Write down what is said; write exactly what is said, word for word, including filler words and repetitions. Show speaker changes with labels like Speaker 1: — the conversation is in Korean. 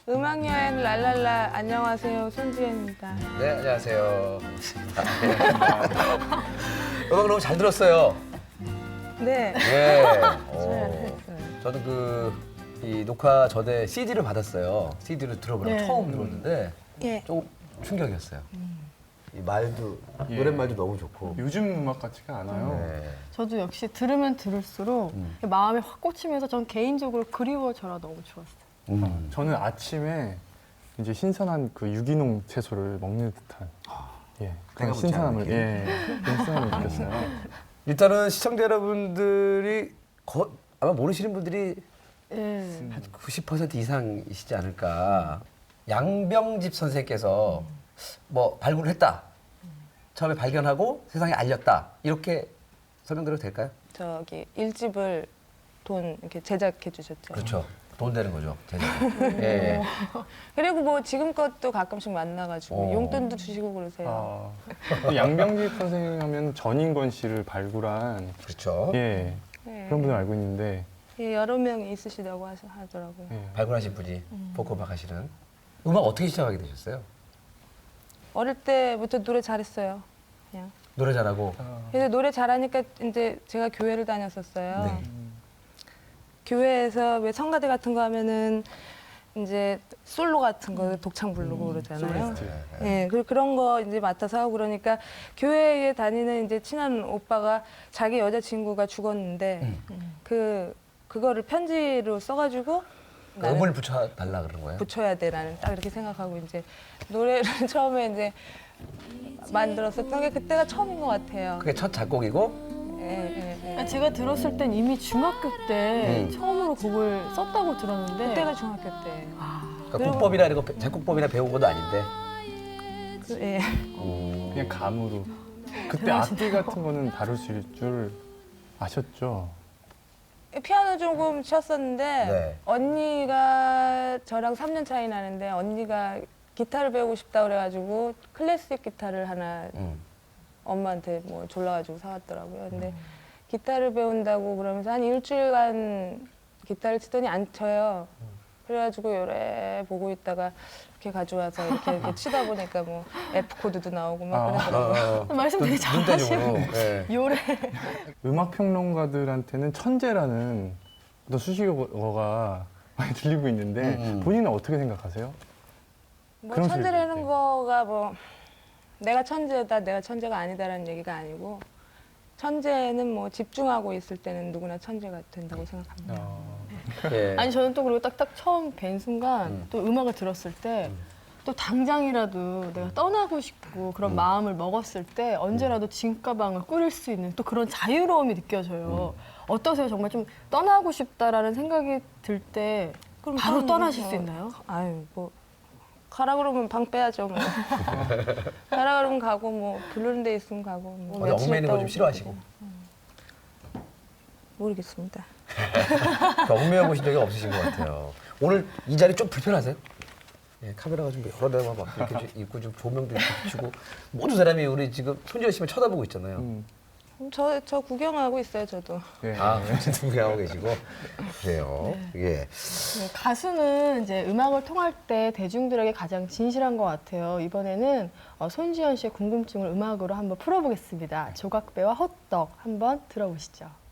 Speaker 1: 음악 여행 랄랄라 안녕하세요 손지연입니다.
Speaker 2: 네, 안녕하세요. 음악 너무 잘 들었어요.
Speaker 1: 네.
Speaker 2: 예. 오.
Speaker 1: 잘했어요.
Speaker 2: 저는 그 이 녹화 전에 씨디를 받았어요. 씨디를 들어보려고
Speaker 3: 네.
Speaker 2: 처음 들었는데
Speaker 1: 예.
Speaker 2: 조금 충격이었어요. 이 말도
Speaker 4: 예.
Speaker 2: 노랫말도 너무 좋고.
Speaker 4: 요즘 음악 같지가 않아요.
Speaker 2: 네.
Speaker 3: 저도 역시 들으면 들을수록
Speaker 2: 음.
Speaker 3: 마음이 확 꽂히면서 전 개인적으로 그리워져라 너무 좋았어요.
Speaker 2: 음.
Speaker 4: 저는 아침에 이제 신선한 그 유기농 채소를 먹는 듯한 예,
Speaker 2: 내가
Speaker 4: 그런
Speaker 2: 묻지
Speaker 4: 신선함을
Speaker 2: 않을게.
Speaker 4: 예, 그런 신선함을 느꼈어요.
Speaker 2: 일단은 시청자 여러분들이 거, 아마 모르시는 분들이
Speaker 3: 예.
Speaker 2: 한 구십 퍼센트 이상이시지 않을까. 양병집 선생께서 뭐 발굴을 했다. 처음에 발견하고 세상에 알렸다. 이렇게 설명드려도 될까요?
Speaker 1: 저기 일집을 돈 이렇게 제작해 주셨죠.
Speaker 2: 그렇죠. 돈 되는 거죠. 제작. 예.
Speaker 1: 그리고 뭐 지금껏도 가끔씩 만나가지고
Speaker 2: 어.
Speaker 1: 용돈도 주시고 그러세요.
Speaker 4: 아, 양병집 선생 하면 전인권 씨를 발굴한
Speaker 2: 그렇죠.
Speaker 4: 예,
Speaker 1: 네.
Speaker 4: 그런 분을 알고 있는데
Speaker 1: 예, 여러 명이 있으시다고 하시- 하더라고요.
Speaker 4: 예.
Speaker 2: 발굴하신 분이 보컬막 하시는. 음악 어떻게 시작하게 되셨어요?
Speaker 1: 어릴 때부터 노래 잘했어요. 그냥.
Speaker 2: 노래 잘하고.
Speaker 1: 그래서 노래 잘하니까 이제 제가 교회를 다녔었어요.
Speaker 2: 네.
Speaker 1: 교회에서 왜 성가대 같은 거 하면은 이제 솔로 같은 거 독창 부르고
Speaker 2: 음,
Speaker 1: 그러잖아요.
Speaker 4: 솔리스트.
Speaker 1: 예, 그 그런 거 이제 맡아서 하고 그러니까 교회에 다니는 이제 친한 오빠가 자기 여자친구가 죽었는데 그 그거를 편지로 써가지고 나는
Speaker 2: 음을 붙여 달라 그런 거예요?
Speaker 1: 붙여야 돼 나는 딱 이렇게 생각하고 이제 노래를 처음에 이제 만들었었던 게 그때가 처음인 것 같아요.
Speaker 2: 그게 첫 작곡이고.
Speaker 1: 예, 예, 예.
Speaker 3: 그러니까 제가 들었을 땐 이미 중학교 때
Speaker 2: 음.
Speaker 3: 처음으로 곡을 썼다고 들었는데
Speaker 1: 그때가 중학교 때.
Speaker 2: 그러니까 국법이나 이런 거 작곡법이나 배운 것도 아닌데.
Speaker 1: 그, 예.
Speaker 4: 그냥 감으로. 그때
Speaker 3: 대단하시네요.
Speaker 4: 악기 같은 거는 다룰 수 있을 줄 아셨죠?
Speaker 1: 피아노 조금 쳤었는데
Speaker 2: 네.
Speaker 1: 언니가 저랑 삼 년 차이 나는데 언니가 기타를 배우고 싶다 그래가지고 클래식 기타를 하나
Speaker 2: 음.
Speaker 1: 엄마한테 뭐 졸라가지고 사왔더라고요. 근데 기타를 배운다고 그러면서 한 일주일간 기타를 치더니 안 쳐요. 그래가지고 요래 보고 있다가 이렇게 가져와서 이렇게, 이렇게 치다 보니까 뭐 F 코드도 나오고 막 그러더라고요.
Speaker 2: 어,
Speaker 3: 말씀 되게 잘하시고
Speaker 2: 예.
Speaker 3: 요래
Speaker 4: 음악 평론가들한테는 천재라는 어떤 수식어가 많이 들리고 있는데
Speaker 2: 음, 음.
Speaker 4: 본인은 어떻게 생각하세요?
Speaker 1: 뭐
Speaker 4: 그런
Speaker 1: 천재라는
Speaker 4: 소리를
Speaker 1: 거가 뭐 내가 천재다, 내가 천재가 아니다라는 얘기가 아니고 천재는 뭐 집중하고 있을 때는 누구나 천재가 된다고 생각합니다.
Speaker 4: 어,
Speaker 2: 예.
Speaker 3: 아니 저는 또 그리고 딱딱 처음 뵌 순간
Speaker 2: 음.
Speaker 3: 또 음악을 들었을 때 또 당장이라도 내가 떠나고 싶고 그런
Speaker 2: 음.
Speaker 3: 마음을 먹었을 때 언제라도 짐가방을 꾸릴 수 있는 또 그런 자유로움이 느껴져요. 어떠세요? 정말 좀 떠나고 싶다라는 생각이 들 때
Speaker 1: 그럼
Speaker 3: 바로
Speaker 1: 저는
Speaker 3: 떠나실
Speaker 1: 뭐,
Speaker 3: 수 있나요?
Speaker 1: 아유 뭐 가라 그러면 방 빼야죠. 뭐. 가라 그러면 가고 뭐 부르는 데 있으면 가고. 뭐
Speaker 2: 어디
Speaker 1: 며칠
Speaker 2: 얽매이는 거
Speaker 1: 있다
Speaker 2: 좀
Speaker 1: 오고
Speaker 2: 싫어하시고.
Speaker 1: 모르겠습니다.
Speaker 2: 얽매여 보신 적이 없으신 것 같아요. 오늘 이 자리 좀 불편하세요? 예, 카메라가 좀 여러 대가 막 이렇게 좀 있고 좀 조명도 이렇게 비추고 모든 사람이 우리 지금 손지현 씨만 쳐다보고 있잖아요.
Speaker 4: 음,
Speaker 1: 저, 저 구경하고 있어요, 저도.
Speaker 4: 예.
Speaker 2: 아, 어쨌든 구경하고 계시고 그래요. 예.
Speaker 3: 네, 가수는 이제 음악을 통할 때 대중들에게 가장 진실한 것 같아요. 이번에는 어, 손지현 씨의 궁금증을 음악으로 한번 풀어보겠습니다. 조각배와 호떡 한번 들어보시죠.